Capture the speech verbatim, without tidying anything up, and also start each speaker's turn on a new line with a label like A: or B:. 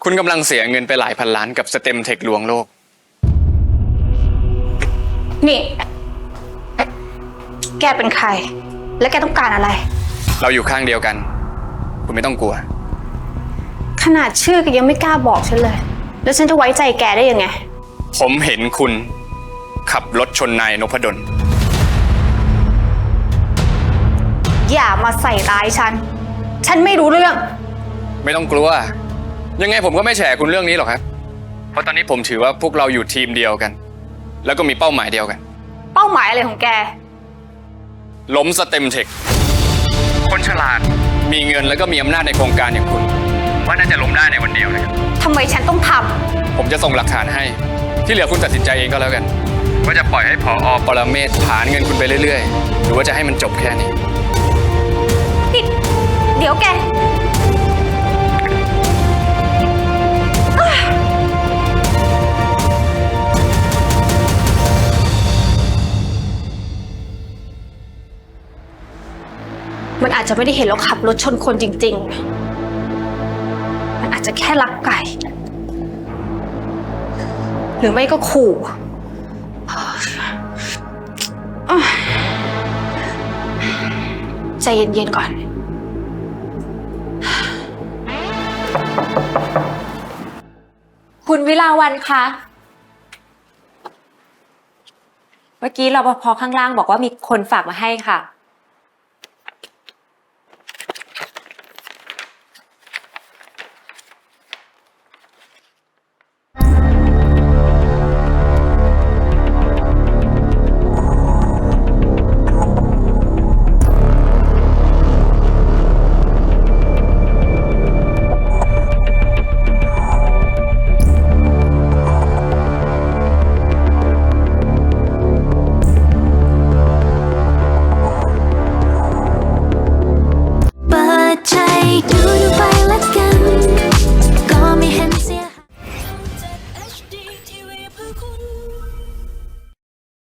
A: คุณกำลังเสียเงินไปหลายพันล้านกับสเต็มเทคลวงโลก
B: นี่แกเป็นใครและแกต้องการอะไร
A: เราอยู่ข้างเดียวกันคุณไม่ต้องกลัว
B: ขนาดชื่อแกยังไม่กล้าบอกฉันเลยแล้วฉันจะไว้ใจแกได้ยังไง
A: ผมเห็นคุณขับรถชนนายนพดล
B: อย่ามาใส่ร้ายฉันฉันไม่รู้เรื่อง
A: ไม่ต้องกลัวยังไงผมก็ไม่แฉคุณเรื่องนี้หรอกครับเพราะตอนนี้ผมถือว่าพวกเราอยู่ทีมเดียวกันแล้วก็มีเป้าหมายเดียวกัน
B: เป้าหมายอะไรของแก
A: ล้มสเต็มเทคคนฉลาดมีเงินแล้วก็มีอำนาจในโครงการอย่างคุณว่าน่าจะล้มได้ในวันเดียวนะครับ
B: ทำไมฉันต้องทำ
A: ผมจะส่งหลักฐานให้ที่เหลือคุณตัดสินใจเองก็แล้วกันว่าจะปล่อยให้ผอ.ปรเมศผลาญเงินคุณไปเรื่อยๆหรือว่าจะให้มันจบแค่นี้
B: เดี๋ยวแกมันอาจจะไม่ได้เห็นเราขับรถชนคนจริงๆมันอาจจะแค่ลักไก่หรือไม่ก็ขู่ใจเย็นๆก่อน
C: คุณวิลาวันคะเมื่อกี้รปภ.ข้างล่างบอกว่ามีคนฝากมาให้ค่ะ